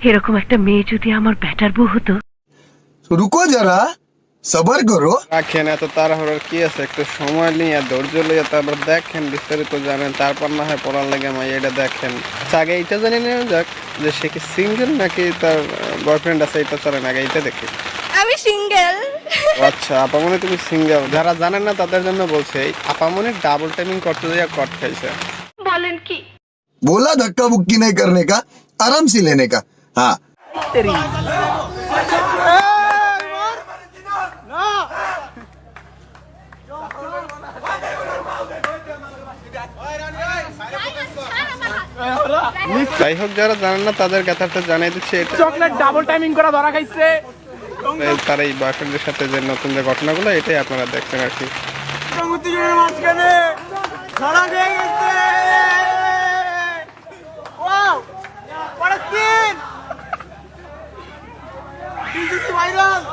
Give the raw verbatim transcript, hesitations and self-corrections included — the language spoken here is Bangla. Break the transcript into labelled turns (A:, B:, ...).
A: এরকম একটা মেয়ে যদি আমার ব্যাটার বউ হতো।
B: রুকো যারা, সবার করো।
C: রাখেন, এত তাড়াহুড়োর কি আছে, একটু সময় নিয়ে ধৈর্য লইয়া তারপর দেখেন, বিস্তারিত জানেন, তারপর না হয় পড়ার লাগে মাই এটা দেখেন। আচ্ছা, আগে এইটা জানি নেওয়া যাক যে সে কি সিঙ্গেল নাকি তার বয়ফ্রেন্ড আছে, এটা চলেন আগে এইটা দেখি।
D: আমি সিঙ্গেল।
C: আচ্ছা, আপামনি তুমি সিঙ্গেল। যারা জানেন না তাদের জন্য বলছে, এই আপামনি ডাবল টাইমিং করতে যাইয়া কট খাইছে।
A: বলেন কি?
B: बोला धक्का बुक्की नहीं करने का, आराम से लेने का। हाँ,
C: যাই হোক, যারা জানেন না তাদের কথাটা জানাই দিচ্ছে। এটা
E: চকলেট ডাবল টাইমিং করা ধরা খাইছে।
C: তার এই বয়ফ্রেন্ডের সাথে যে নতুন যে ঘটনাগুলো, এটাই আপনারা দেখছেন আর কি।
E: মাঝখানে ধরা খেয়ে গেছে। Wow, what a scene! This is viral!